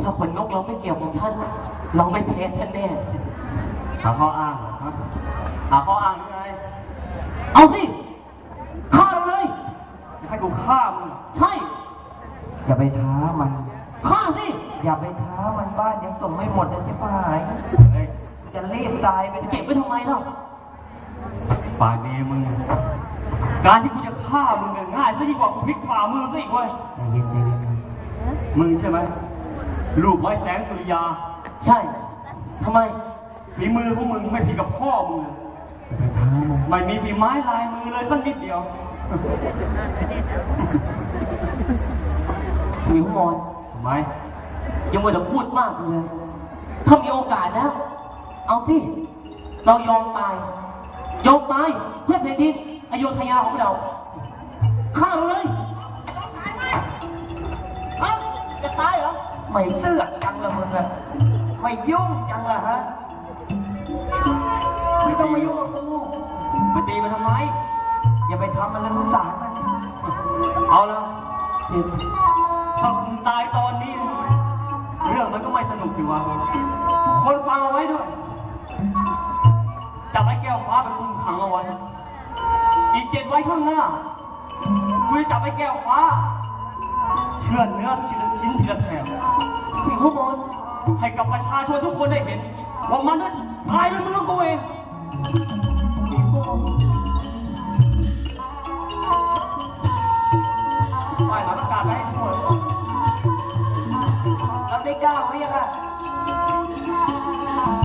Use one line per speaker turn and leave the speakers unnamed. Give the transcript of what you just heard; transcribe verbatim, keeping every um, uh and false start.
ถ้าขนนกเราไม่เกี่ยวกับท่านเราไม่แพ้ท่านแน่
หาข้ออ้างฮะหาข้ออ้างหรือไง
เอาสิฆ่าเลย
จะให้กูฆ่ามึง
ใช่
อย่าไปท้ามัน
ฆ่าสิ
อย่าไปท้ามันบ้านยังส่งไม่หมดเลยจะไปหายจะรีบตายไป
เก็บไว้ทำไมเล่า
ป่านนี้มึงการที่กูจะฆ่ามึงง่ายซะยิ่งกว่ากูพลิกฝ่ามือซะอีกเว้ย
ใจเย็นใจเย็น
มึงใช่ไหมลูกไม้แสงสุริยา
ใช่ทำไม
ฝีมือของมึงไม่ผิดกับพ่อมึงเลยไม่มีฝีไม้ลายมือเลยสักนิดเดียว
วิวมอน
ทำไม
ยังไม่ได้พูดมากเลยถ้ามีโอกาสแล้วเอาสิเรายอมตายยอมตายเพื่อแผ่นดินอโยธยาของเราฆ่าเลยฮะจะตายเหรอ
ไม่เสือกจังละมึงอะไม่ยุ่งจังละฮะไม่ต้องมายุ่งกับกู
มาตีมันทำไม
อย่าไปทำมันเลยสงสารมัน
เอาแล้วถ้ามึงตายตอนนี้เรื่องมันก็ไม่สนุกสิวะคนฟังเอาไว้ด้วยจับไอ้แก้วฟ้าไปคุมขังเอาไว้อีกเจ็ดไว้ข้างหน้ากูจะจับไอ้แก้วฟ้าเชื่อเนื้อทีละชิ้นทีละแถบ
สิ่งข้างบน
ให้กับประชาชนทุกคนได้เห็นว่ามันนั้นตายด้วยมือกูเอง